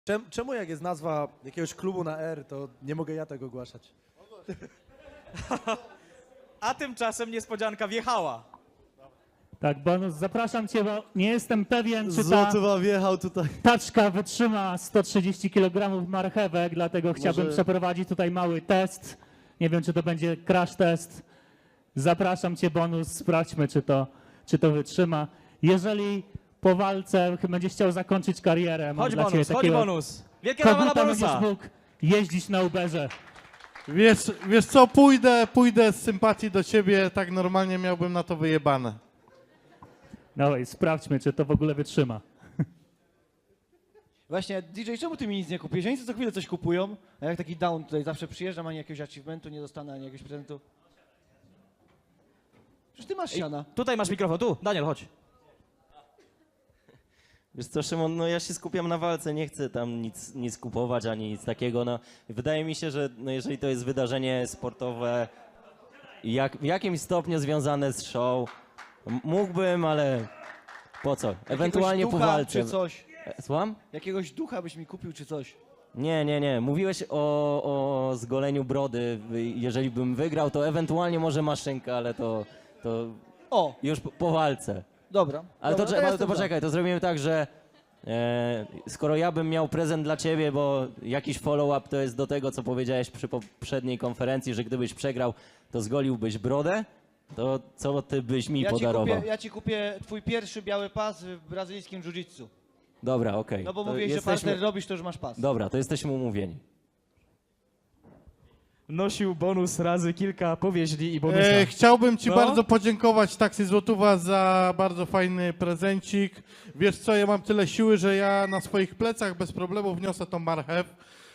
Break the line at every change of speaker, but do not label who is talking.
Czemu jak jest nazwa jakiegoś klubu na R, to nie mogę ja tego ogłaszać?
A tymczasem niespodzianka wjechała.
Tak, Bonus, zapraszam cię, bo nie jestem pewien, czy ta
Złotywa wjechał tutaj.
taczka wytrzyma 130 kg marchewek, dlatego chciałbym przeprowadzić tutaj mały test. Nie wiem, czy to będzie crash test. Zapraszam cię, Bonus, sprawdźmy, czy to wytrzyma. Jeżeli po walce będziesz chciał zakończyć karierę, mam
Chodź
dla ciebie
bonus, chodź
takiego
bonus. Wielkie brawa dla
koguta, będziesz
bonusa.
mógł jeździć na Uberze.
Wiesz co, pójdę z sympatii do ciebie, tak normalnie miałbym na to wyjebane.
Dawaj, sprawdźmy, czy to w ogóle wytrzyma.
Właśnie, DJ, czemu ty mi nic nie kupiłeś? Oni co chwilę coś kupują, a jak taki down tutaj zawsze przyjeżdżam, ani jakiegoś achievementu nie dostanę, ani jakiegoś prezentu. Przecież ty masz siana.
Tutaj masz mikrofon, tu, Daniel, chodź.
Wiesz co, Szymon, no ja się skupiam na walce, nie chcę tam nic kupować ani nic takiego. No, wydaje mi się, że no, jeżeli to jest wydarzenie sportowe w jakimś stopniu związane z show, mógłbym, ale po co? Ewentualnie
Jakiegoś
po
ducha
walce.
czy coś.
Słucham?
Jakiegoś ducha byś mi kupił czy coś.
Nie. Mówiłeś o zgoleniu brody. Jeżeli bym wygrał, to ewentualnie może maszynka, ale to
O,
już po walce.
dobra.
Ale
dobra,
to
jestem za.
poczekaj, to zrobimy tak, że skoro ja bym miał prezent dla ciebie, bo jakiś follow-up to jest do tego, co powiedziałeś przy poprzedniej konferencji, że gdybyś przegrał, to zgoliłbyś brodę, to co ty byś mi podarował?
Ja ci kupię twój pierwszy biały pas w brazylijskim jiu-jitsu.
Dobra, okej.
No bo
To
mówiłeś, że partner robisz, to już masz pas.
Dobra, to jesteśmy umówieni.
Nosił bonus razy kilka powieźli i bonusa.
Chciałbym ci
No.
bardzo podziękować, Taksy Złotówa, za bardzo fajny prezencik. Wiesz co, ja mam tyle siły, że ja na swoich plecach bez problemu wniosę tą marchew.